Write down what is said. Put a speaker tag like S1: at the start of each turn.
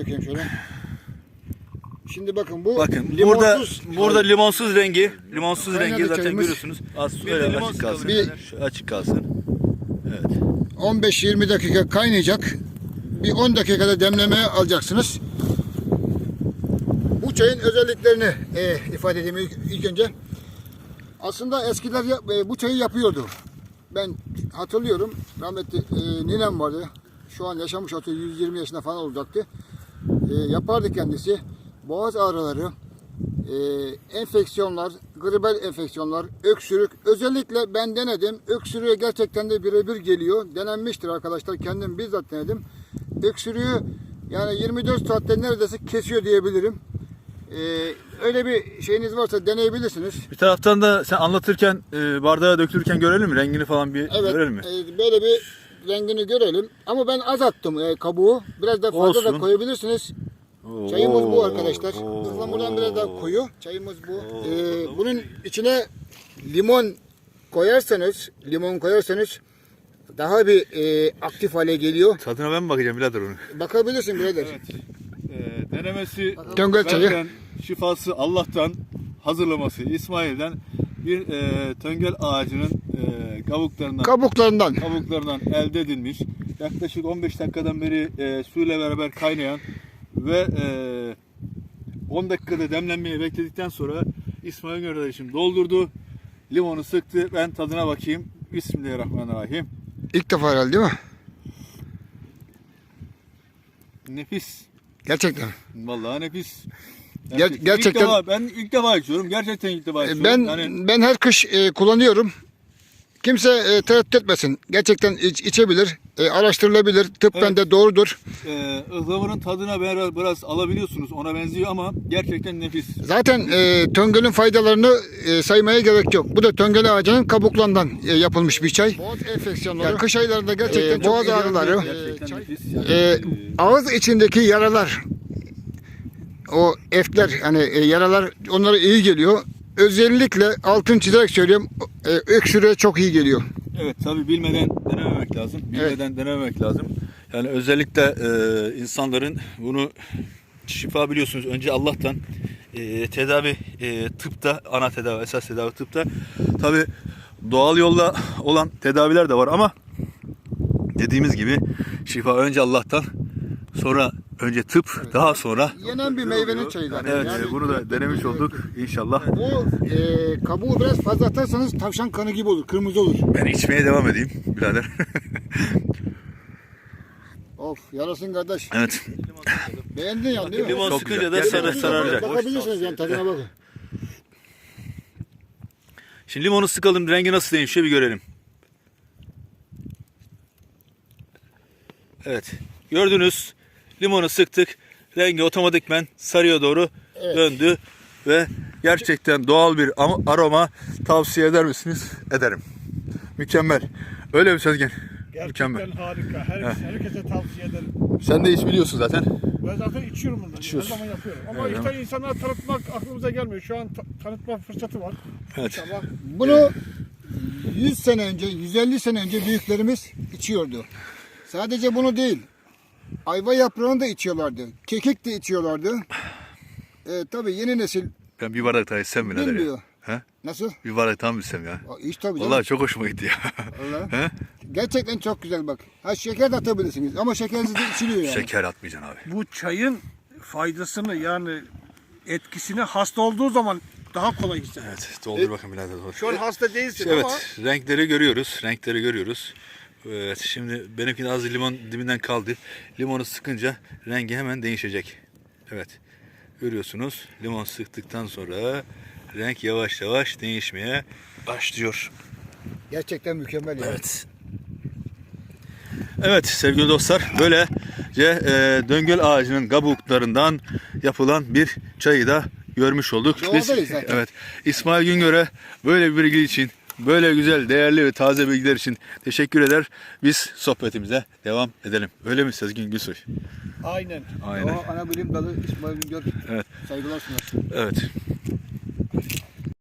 S1: bakayım şöyle. Şimdi bakın bu
S2: Bakın
S1: limonsuz,
S2: burada limonsuz rengi
S1: Kaynadı
S2: zaten
S1: çayımız.
S2: görüyorsunuz. Az öyle açık kalsın. Şu açık kalsın. Evet.
S1: 15-20 dakika kaynayacak. Bir 10 dakikada demlemeye alacaksınız. Bu çayın özelliklerini ifade edeyim ilk önce. Aslında eskiler bu çayı yapıyordu. Ben hatırlıyorum. Rahmetli ninem vardı. Şu an yaşamış olsa 120 yaşında falan olacaktı. Yapardı kendisi. Boğaz ağrıları, enfeksiyonlar, gribel enfeksiyonlar, öksürük. Özellikle ben denedim. Öksürüğe gerçekten de birebir geliyor. Denenmiştir arkadaşlar. Kendim bizzat denedim. Öksürüğü yani 24 saatte neredeyse kesiyor diyebilirim. Öyle bir şeyiniz varsa deneyebilirsiniz.
S2: Bir taraftan da sen anlatırken bardağa dökülürken görelim mi? Rengini falan bir
S1: Evet,
S2: görelim mi?
S1: Böyle bir rengini görelim. Ama ben az attım kabuğu. Biraz da fazla da
S2: Olsun.
S1: koyabilirsiniz. Çayımız bu arkadaşlar. Ihlamurdan biraz daha koyu. Çayımız bu. Bunun içine limon koyarsanız daha bir aktif hale geliyor.
S2: Tadına ben mi bakacağım birader onu?
S1: Bakabilirsin birader.
S3: Denemesi
S1: Töngel çayı.
S3: benden, şifası Allah'tan, hazırlaması İsmail'den bir töngel ağacının kabuklarından elde edilmiş. Yaklaşık 15 dakikadan beri suyla beraber kaynayan ve 10 dakikada demlenmeye bekledikten sonra İsmail kardeşim doldurdu. Limonu sıktı. Ben tadına bakayım. Bismillahirrahmanirrahim.
S1: İlk defa herhalde değil mi?
S3: Nefis.
S1: Gerçekten.
S3: Vallahi nefis.
S1: Gerçekten.
S3: Ben ilk defa içiyorum. Gerçekten ilk defa içiyorum.
S1: Ben her kış kullanıyorum. Kimse tereddüt etmesin. Gerçekten içebilir, araştırılabilir. Tıbben de doğrudur.
S3: Ihlamurun tadına biraz alabiliyorsunuz. Ona benziyor ama gerçekten nefis.
S1: Zaten töngölün faydalarını saymaya gerek yok. Bu da töngel ağacının kabuklarından yapılmış bir çay. Boğaz enfeksiyonları, yani kış aylarında gerçekten boğaz ağrıları,
S3: Gerçekten nefis.
S1: ağız içindeki yaralar, o efler, hani yaralar onlara iyi geliyor. Özellikle altın çizerek söylüyorum, öksürüğe çok iyi geliyor.
S3: Evet, tabii bilmeden denememek lazım. Denememek lazım. Yani özellikle insanların bunu şifa biliyorsunuz önce Allah'tan tedavi tıpta, ana tedavi, esas tedavi tıpta. Tabii doğal yolla olan tedaviler de var ama dediğimiz gibi şifa önce Allah'tan, sonra önce tıp, daha sonra
S1: yenen bir meyvenin çayı zaten.
S3: evet,
S1: Yani,
S3: bunu da denemiş olduk inşallah.
S1: Bu kabuğu biraz fazla atarsanız tavşan kanı gibi olur, kırmızı olur.
S2: Ben içmeye devam edeyim birader.
S1: Of, yarasın kardeş.
S2: Evet.
S1: Beğendin yani değil mi?
S2: Limon
S3: Çok
S2: sıkınca
S3: güzel.
S2: da sararacak.
S1: Bakabilirsiniz yani tadına bakın.
S2: Şimdi limonu sıkalım, rengi nasıl değişiyor bir görelim. Evet. Gördünüz. Limonu sıktık. Rengi otomatikmen sarıya doğru döndü. Ve gerçekten doğal bir aroma tavsiye eder misiniz? Ederim. Mükemmel. Öyle mi Sezgin?
S4: Gerçekten
S2: Mükemmel.
S4: harika. Herkese tavsiye ederim.
S2: Sen de hiç biliyorsun zaten.
S4: Ben zaten içiyorum bunları. Her zaman yapıyorum. Ama
S2: Evet.
S4: işte insanlara tanıtmak aklımıza gelmiyor. Şu an tanıtma fırsatı var.
S2: Evet.
S4: İnşallah.
S1: Bunu 100 sene önce, 150 sene önce büyüklerimiz içiyordu. Sadece bunu değil, ayva yaprağını da içiyorlardı, kekik de içiyorlardı. Tabii yeni nesil
S2: Ben bir bardak daha içsem mi birader ya?
S1: bilmiyor.
S2: He?
S1: Nasıl?
S2: Bir bardak daha mı içsem ya?
S1: İç tabii canım.
S2: Vallahi çok hoşuma gitti ya.
S1: Vallahi.
S2: He?
S1: Gerçekten çok güzel bak. Ha, şeker de atabilirsiniz ama şekersiz de içiliyor yani.
S2: Şeker atmayacaksın abi.
S4: Bu çayın faydasını yani etkisini hasta olduğu zaman daha kolay hisseder.
S2: Evet, doldur bakın birader. Doldur.
S4: Şu an hasta değilsin
S2: Evet,
S4: ama
S2: renkleri görüyoruz. Renkleri görüyoruz. Evet, şimdi benimki de az limon dibinden kaldı. Limonu sıkınca rengi hemen değişecek. Evet, görüyorsunuz. Limon sıktıktan sonra renk yavaş yavaş değişmeye başlıyor.
S1: Gerçekten mükemmel ya.
S2: Evet. Evet sevgili dostlar, böylece döngel ağacının kabuklarından yapılan bir çayı da görmüş olduk. Biz,
S1: Doğadayız zaten.
S2: evet, İsmail Güngör'e böyle bir bilgi için, böyle güzel, değerli ve taze bilgiler için teşekkür eder. Biz sohbetimize devam edelim. Öyle mi Sezgin Gülsoy?
S4: aynen.
S2: Aynen.
S1: O ana bilim dalı İsmail Güngör.
S2: Evet.
S1: Saygılar sunar.
S2: Evet.